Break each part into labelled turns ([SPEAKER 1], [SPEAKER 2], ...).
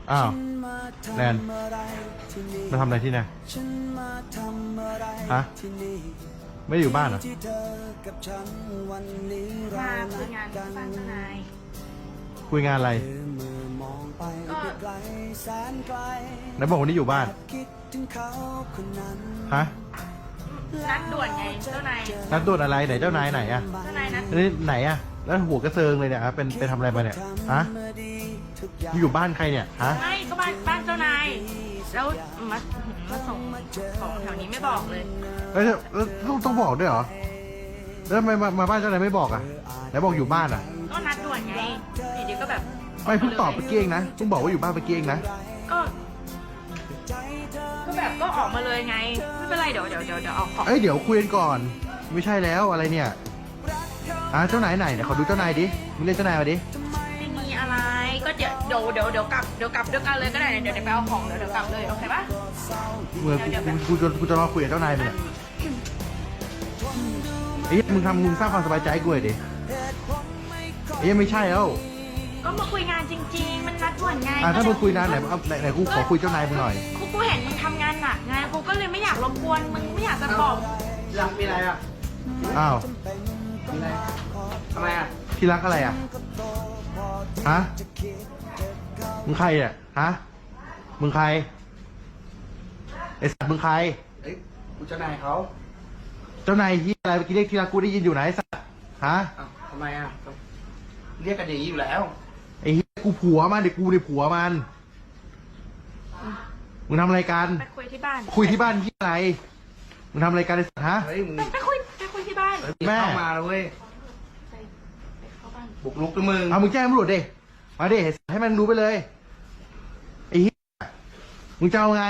[SPEAKER 1] อ้าวแนนมาทำอะไรที่นี่ฮะไม่ได้อยู่บ้านเหรอ
[SPEAKER 2] มาคุยงานที่บ้านทนาย
[SPEAKER 1] คุยงานอะไร
[SPEAKER 2] ก็
[SPEAKER 1] ไหนบอกวันนี้อยู่บ้านฮะ
[SPEAKER 2] นัดด่วนไงเจ้านาย
[SPEAKER 1] นัดด่วนอะไรไหนเจ้านายไหนอะ
[SPEAKER 2] เจ้านายนัด
[SPEAKER 1] นี่ไหนอะแล้วหัวกระเซิงเลยเนี่ยเป็นไปทำอะไรมาเนี่ยฮะอยู่บ้านใครเนี่ยฮะ
[SPEAKER 2] ไม่ก็บ้านเจ้านายแล้วมาส่งของแถวนี้ไม่บอกเลย
[SPEAKER 1] แล้วต้องบอกด้วยเหรอแล้วทำไมมาบ้านเจ้านายไม่บอกอะไหนบอกอยู่บ้านอะ
[SPEAKER 2] ก็นัดด่วนไงเดี๋ยวก็แบบ
[SPEAKER 1] ไม่เพิ่งตอบไปเกี้ยงนะเพิ่งบอกว่าอยู่บ้านไปเกี้ยงนะ
[SPEAKER 2] ก็แบบก็ออกมาเลยไงไม่เป็นไรเดี๋ยวเอาของ
[SPEAKER 1] เดี๋ยวคุยกันก่อนไม่ใช่แล้วอะไรเนี่ยเจ้านายไหนเดี๋ยวขอดูเจ้านายดิมึงเรียกเจ้านายมาดิ
[SPEAKER 2] ไม่มีอะไรก็เดี๋ยวกลับด้วยกันเลยก็ได้เดี๋ยวไปเอาของเดี๋ยวกลับเลยโอเคปะ
[SPEAKER 1] เมื่อกูจะรอคุยกับเจ้านายมึงเนี่ยมึงสร้างความสบายใจให้กูหน่อยดิไม่ใช่แล้ว
[SPEAKER 2] ก็มาคุยงานจริงๆมันนัดด่วนไง
[SPEAKER 1] ถ้ามึงคุยนานไหนกูขอคุยเจ้านายมึงหน่อย
[SPEAKER 2] กูเห็นมึงทำงานหนักไงกูก็เลยไม่อยากรบกวนมึงไม่อยากจะบอก
[SPEAKER 3] รักมีอะไรอ่ะ
[SPEAKER 1] อ้าว
[SPEAKER 3] มีอะไรทำไมอ่ะ
[SPEAKER 1] ที่รักอะไรอ่ะฮะมึงใครอ่ะฮะมึงใครไอสัตว์มึงใคร
[SPEAKER 3] กูเจ้านายเขา
[SPEAKER 1] เจ้านายที่อะไรเมื่อกี้เรียกที่รักกูได้ยินอยู่ไหนไอสัตว์ฮะ
[SPEAKER 3] ทำไมอ่ะเรียกกันอย่างนี้อยู่แล้ว
[SPEAKER 1] ไอ้เหี้ยกูผัวมันเด็กกูในผัวมันมึงทำอะไรกัน
[SPEAKER 2] ไปคุยที่บ้าน
[SPEAKER 1] คุยที่บ้านที่อะไรมึงทำอะไรกันไอ้สัตว์ฮะ
[SPEAKER 3] เฮ้ยมึง
[SPEAKER 2] ไปคุยที่บ้าน
[SPEAKER 1] แม่
[SPEAKER 3] เข้ามาแล้วเว้ยบุกลุกด้วยมึง
[SPEAKER 1] มึงแจ้งตำรวจดิมาดิให้มันรู้ไปเลยไอ้เหี้ยมึงจะเอาไง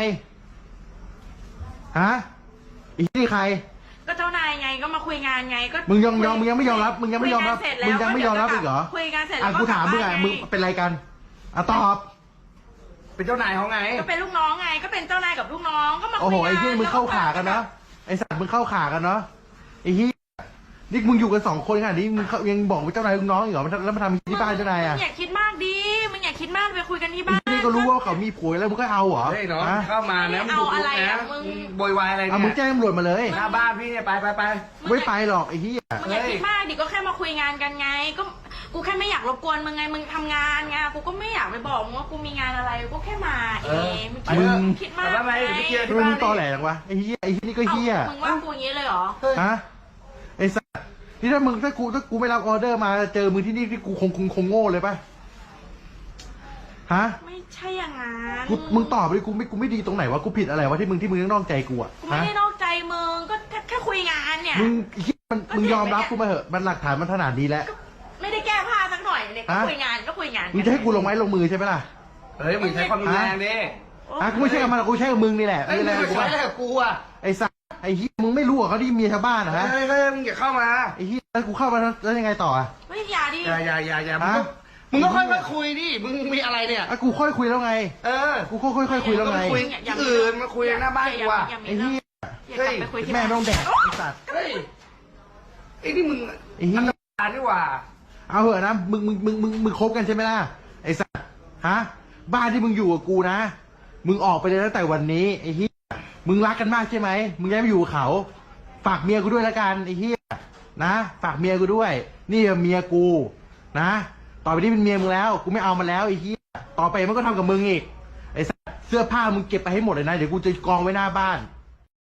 [SPEAKER 1] ฮะไอ้เหี้ยนี่ใคร
[SPEAKER 2] ก็เจ้านายไงก็มาคุยงานไงก็
[SPEAKER 1] มึงยังไม่ยอมรับมึงยังไม่ยอมรับอีกเหรอ
[SPEAKER 2] คุยงานเสร็จแล้ว
[SPEAKER 1] กูถามมึงมึงเป็นอะไรกันตอบ
[SPEAKER 3] เป็นเจ้านายเขาไง
[SPEAKER 2] ก็เป็นลูกน้องไงก็เป็นเจ้านายกับลูกน้องก็มาคุยงาน
[SPEAKER 1] โอ้โหไอ้เหี้ยมึงเข้าขากันเนาะไอ้สัตว์มึงเข้าขากันเนาะไอ้เหี้ยนี่มึงอยู่กัน2 คนขนาดนี้มึงยังบอกว่าเจ้านายลูกน้องอีกเหรอแล้วมาทำที่บ้านเจ้านาย
[SPEAKER 2] มึงอย่าคิดมากดิมึงอย่าคิดมากไปคุยกันที่บ้าน
[SPEAKER 1] นี่ก็รู้ว่าเขามีผัวแล้วมึงก็เอาเหรอ
[SPEAKER 3] เฮ้ยน้องเข้ามานะมึงบุกลุกนะมึงโวยวายอะไรเนี่ย
[SPEAKER 1] มึงแจ้งตำรวจมาเลย
[SPEAKER 3] หน้าบ้านพี่เนี่ยไป
[SPEAKER 1] ไม่ไปหรอกไอ้เหี้ย
[SPEAKER 2] มึงอย่าคิดมากดิก็แค่มาคุยงานกันไงก็กูแค่ไม่อยากรบกวนมึงไงมึงทำงานไงกูก็ไม่อยากไปบอกมึงว่ากูมีงานอะไรกูแค่มามึงคิดมาก
[SPEAKER 3] ทำไม
[SPEAKER 1] มึงตอแหลจังวะไอ้เหี้ยนี่ก็เหี้ย
[SPEAKER 2] มึงว่ากูอย่างนี้เลยเหรอ
[SPEAKER 1] ฮะไอ้สัสนี่ถ้ากูไม่รับออเดอร์มาเจอมึงที่นี่ที่กูคงโง่เลยป่ะฮะ
[SPEAKER 2] ไม่ใช่อย่างนั้น
[SPEAKER 1] มึงตอบไปกูไม่ดีตรงไหนวะกูผิดอะไรวะที่มึงนอกใจกูอ่ะ
[SPEAKER 2] กูไม่ได้นอกใจมึงก็แค่คุยงานเนี่ย
[SPEAKER 1] มึงยอมรับกูมาเหอะมันหลักฐานมันขนาดนี้แล้ว
[SPEAKER 2] ไม่ได้แก้ผ้าสักหน่อยเลยก็คุยงาน
[SPEAKER 1] มึงจะให้กูลงไม้ลงมือใช่ไหมล่ะ
[SPEAKER 3] เฮ้ยมึงใช้ความรุนแรงดิ
[SPEAKER 1] กูไม่ใช่กับมันกูใช้กับมึงนี่แหละ
[SPEAKER 3] ไอ้มึงใช้อะไรกับกูอ่ะ
[SPEAKER 1] ไอ้สัสไอ้เหี้ยมึงไม่รู้เหรอเขาที่เมียชาวบ้านนะฮะ
[SPEAKER 3] เฮ้ยมึงอย่าเข้ามา
[SPEAKER 1] ไอ้เหี้ยแล้วกูเข้ามาแล้วยังไงต่ออ่ะ
[SPEAKER 2] ไม่อย่าดิ
[SPEAKER 3] อย่ามึงก็ค่อยคุยดิมึงมีอะไรเนี่ย
[SPEAKER 1] กูค่อยคุยแล้วไงกูค่อยคุยแล้วไง
[SPEAKER 3] อื่นมาคุยหน้าบ้านกูอ่ะ
[SPEAKER 1] ไอ้เหี้ยแม่ไม่ต้องแดกไอ้สัส
[SPEAKER 3] เฮ้ยไอ้นี่มึง
[SPEAKER 1] ไอ้เหี้ย
[SPEAKER 3] นี่ว่า
[SPEAKER 1] เอาเหอะนะมึงคบกันใช่ไหมล่ะไอ้สัสฮะบ้านที่มึงอยู่กับกูนะมึงออกไปเลยตั้งแต่วันนี้ไอ้เหี้ยมึงรักกันมากใช่ไหมมึงย้ายมาอยู่กับเขาฝากเมียกูด้วยละกันไอ้เหี้ยนะฝากเมียกูด้วยนี่เมียกูนะต่อไปนี้เป็นเมียมึงแล้วกูไม่เอามันแล้วไอ้เหี้ยต่อไปมันก็ทำกับมึงอีกไอ้เสื้อผ้ามึงเก็บไปให้หมดเลยนะเดี๋ยวกูจะกองไว้หน้าบ้าน